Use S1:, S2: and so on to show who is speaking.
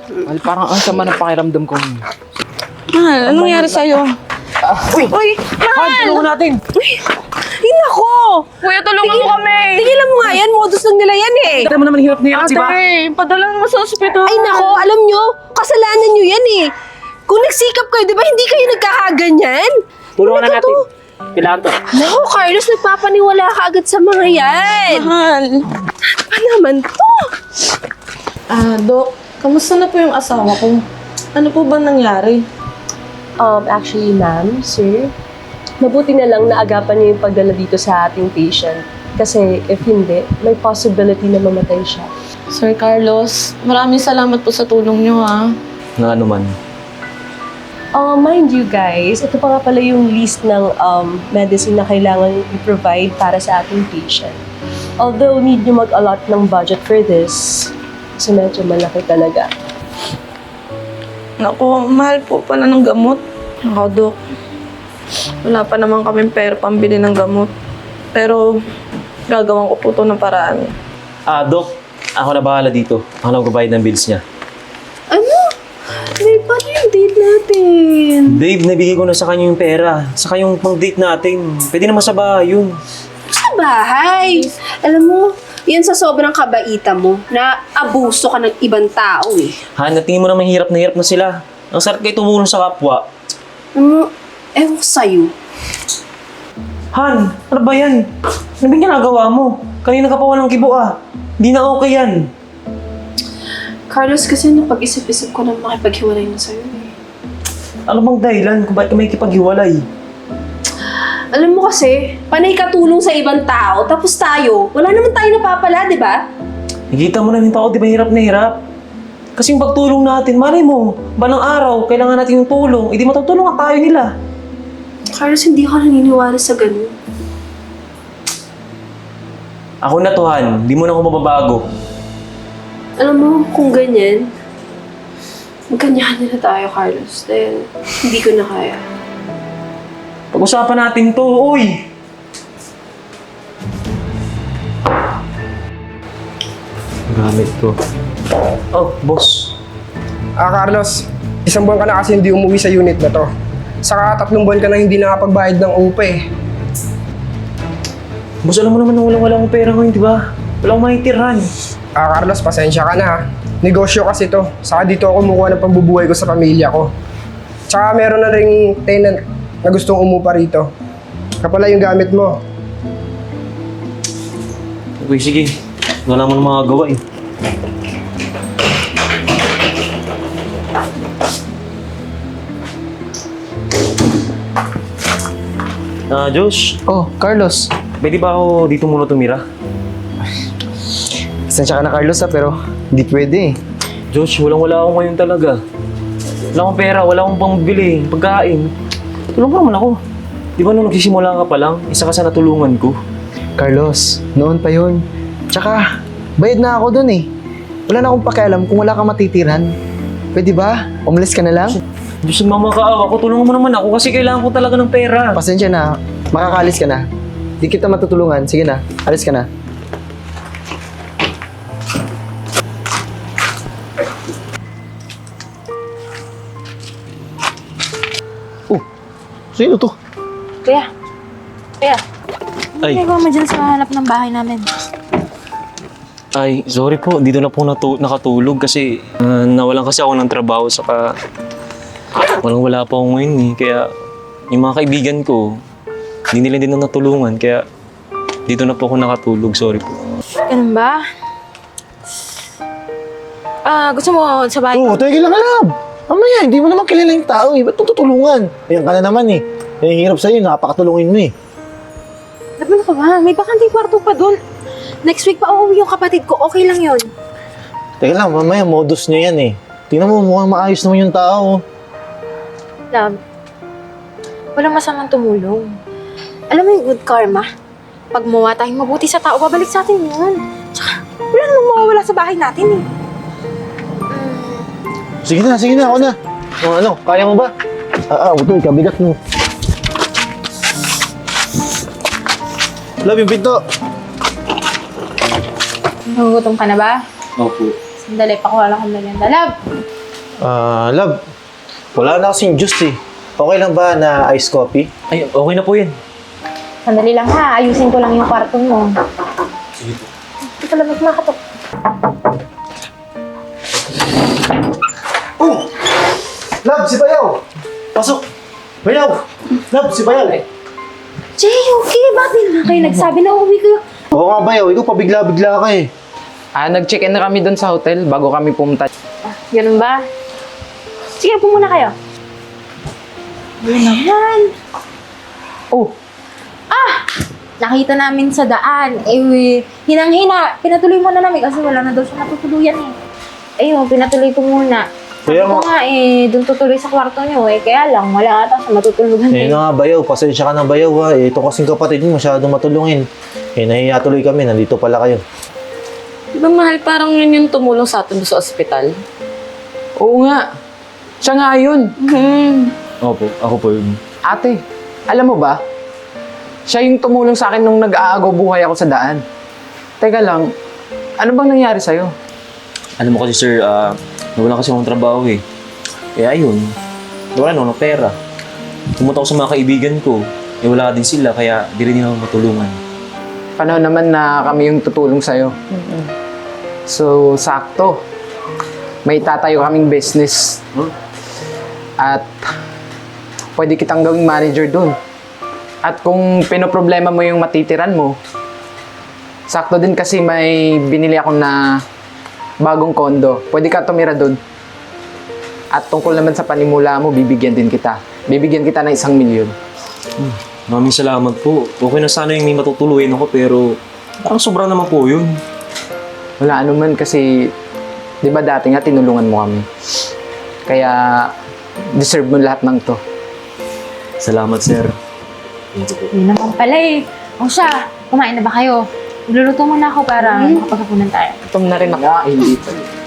S1: Mahal, parang ang sama ng pakiramdam ko.
S2: Mahal, anong nangyari sa'yo?
S1: Uy!
S2: Uy,
S1: Han,
S2: mahal!
S1: tulungan natin!
S2: Ay, nako!
S3: Kuya, tulungan mo kami.
S2: Tigilan mo nga yan, modus lang nila yan eh.
S1: Kita mo naman hirap na hirap, di ba?
S3: Padala mo sa ospital.
S2: Ay, nako, alam nyo, kasalanan nyo yan eh. Kung nagsikap kayo, di ba hindi kayo nagkakaganyan?
S1: Tulungan na
S2: Ano
S1: natin.
S2: to?
S1: Kailangan to.
S2: Naku, Carlos, nagpapaniwala ka agad sa mga yan.
S3: Mahal.
S2: Pa naman to?
S3: Dok, kamusta na po yung asawa ko? Ano po ba nangyari?
S4: Actually, ma'am, sir, mabuti na lang na agapan niyo yung pagdala dito sa ating patient. Kasi if hindi, may possibility na mamatay siya.
S3: Sir Carlos, maraming salamat po sa tulong niyo ha.
S1: Na ano man.
S4: Mind you guys, ito pa nga pala yung list ng medicine na kailangan i-provide para sa ating patient. Although need nyo mag-allot ng budget for this, kasi medyo malaki talaga.
S3: Naku, mahal po pala ng gamot. Naku, Dok. Wala pa naman kaming pera pambili ng gamot. Pero, gagawin ko po ito ng paraan.
S5: Dok, ako na bahala dito. Ako na magbabayad ng bills niya.
S2: Ano? May paano yung date natin?
S5: Babe, nabigay ko na sa kanya yung pera. Saka yung pang-date natin. Pwede naman sa bahay yun.
S2: Sa bahay. Alam mo, yan sa sobrang kabaita mo, na abuso ka ng ibang tao eh.
S5: Han, natingin mo naman hirap na sila. Ang sarap kayo tumulong sa kapwa.
S2: Ewan ko sa'yo.
S5: Han, ano ba yan? Ano ba ginagawa mo? Kanina ka pa walang kibo ah. Hindi na okay yan.
S2: Carlos, kasi napag-isip-isip ko na makipaghiwalay na sa'yo eh.
S5: Ano bang dahilan kung bakit ka may kipaghiwalay?
S2: Alam mo kasi, panay katulong sa ibang tao, tapos tayo, wala naman tayo napapala, di ba?
S5: Nakikita mo namin tao, di ba hirap na hirap? Kasi yung pagtulong natin, malay mo, balang araw, kailangan natin yung tulong, hindi matutulungan tayo nila.
S2: Carlos, hindi ako naniniwala sa ganun.
S5: Ako na to, Han. Hindi mo na ako mababago.
S2: Alam mo, kung ganyan, magkanyahan na tayo, Carlos. Dahil hindi ko na kaya.
S5: Pag-usapan natin to, uy! Gamit to. Oh, boss.
S6: Carlos, isang buwan ka na kasi hindi umuwi sa unit na to. Saka 3 buwan ka na hindi nakapagbayad ng UPA eh.
S5: Boss, alam mo naman na wala akong pera ngayon, di ba? Wala akong maitirhan.
S6: Carlos, pasensya ka na ha. Negosyo kasi to. Saka dito ako kumukuha ng pambubuhay ko sa pamilya ko. Tsaka meron na ring tenant na gustong umupa rito. Kapala yung gamit mo.
S5: Okay, sige. Wala mo na mga gawa eh. Josh,
S7: Oh, Carlos.
S5: pwede ba ako dito muna tumira?
S7: Pasensya ka na, Carlos, pero hindi pwede eh.
S5: Josh, wala ako ngayon talaga. Wala akong pera, wala akong pangbili, pagkain. Tulong mo naman ako. Di ba nung nagsisimula ka pa lang, isa ka sa natulungan ko?
S7: Carlos, noon pa yun. Tsaka, bayad na ako dun eh. Wala na akong pakialam kung wala kang matitirhan. Pwede ba? Umalis ka na lang?
S5: Diyos, mamakaawa ko, tulungan mo naman ako kasi kailangan ko talaga ng pera.
S7: Pasensya na, makakaalis ka na. Di kita matutulungan. Sige na, alis ka na. Oh, sino to?
S8: Kuya. Kuya.
S5: Ay.
S8: Ano mo dyan sa hanap ng bahay namin?
S5: Ay, sorry po, dito na po nakatulog kasi nawalan kasi ako ng trabaho saka wala pa ako ngayon eh. Kaya yung mga kaibigan ko, hindi nila din na natulungan kaya dito na po ako nakatulog, sorry po.
S8: Ganun ba? Gusto mo sa bahay?
S9: Oo, tigil lang alam. Mamaya, hindi mo naman kilala yung tao eh. Ba't mo tutulungan? Ayan ka na naman eh. Yung hirap sa'yo, napakatulungin mo eh.
S8: Laban ka ba? May bakanteng kwarto pa dun. Next week pa uuwi yung kapatid ko. Okay lang yun.
S9: Teka lang, mamaya, modus niya yan eh. Tingnan mo, mukhang maayos naman yung tao.
S8: Love, walang masamang tumulong. Alam mo yung good karma? Pag muwa tayong mabuti sa tao, babalik sa atin yun. Tsaka, wala namang mawawala sa bahay natin eh.
S9: Sige na, ako na. Ano, kaya mo ba? Ito, ikabigat mo. Love yung pinto.
S8: Nagugutom ka na ba?
S5: Opo.
S8: Sandali, pakuha lang akong merienda. Love!
S9: Love, wala na kasing juice eh. Okay lang ba na iced coffee?
S5: Ay, okay na po yan.
S8: Sandali lang ha, ayusin ko lang yung kwarto mo. Ito lang, makatok.
S9: Love, si Bayaw! Pasok! Bayaw! Love, si Bayaw!
S8: Jay, okay, bakit di naman kayo nagsabi na uuwi kayo?
S9: Oo nga, Bayaw. Ikaw pabigla-bigla ka eh.
S1: Nag-check-in na kami doon sa hotel bago kami pumunta.
S8: Ganun ba? Sige, upo muna kayo. Ano naman?
S1: Oh,
S8: Nakita namin sa daan. Hinang-hina. Pinatuloy muna namin kasi wala na daw siya natutuluyan eh. Ayun, pinatuloy ko muna. Sabi
S9: Kaya
S8: ko
S9: nga-
S8: nga doon tutuloy sa kwarto niyo eh. Kaya lang, wala ata siya matutulugan
S9: Eh na nga, Bayaw. Pasensya ka na, Bayaw ha. Eh, ito kasing kapatid mo masyadong matulungin. Eh, nahiya tuloy kami. Nandito pala kayo.
S3: Di ba mahal, parang yun yung tumulong sa atin doon sa ospital?
S1: oo nga. Siya nga yun.
S5: Opo, ako po yun.
S1: Ate, alam mo ba? Siya yung tumulong sa akin nung nag-aagaw buhay ako sa daan. Teka lang, ano bang nangyari sa'yo?
S5: Alam mo kasi sir, nawala kasi akong trabaho eh. Kaya ayun, wala na ako ng pera. Pumunta ako sa mga kaibigan ko. Eh wala din sila, kaya di rin nila ako matulungan.
S1: Panahon naman na kami yung tutulong sa'yo. So, sakto. May tatayo kaming business. At pwede kitang gawing manager dun. At kung pinoproblema mo yung matitiran mo, sakto din kasi may binili ako na bagong kondo. Pwede ka tumira dun. At tungkol naman sa panimula mo, bibigyan din kita. Bibigyan kita ng 1 milyon.
S5: Maraming salamat po. Okay na sana yung may matutuluyan ako, pero parang sobra naman po yun.
S1: Wala anuman kasi, di ba dati nga tinulungan mo kami. Kaya, deserve mo lahat ng to.
S5: Salamat sir.
S8: Yun naman pala eh. O siya, kumain na ba kayo? Magluluto muna ako para makapaghapunan tayo.
S1: Gutom na rin ako. Hindi pa.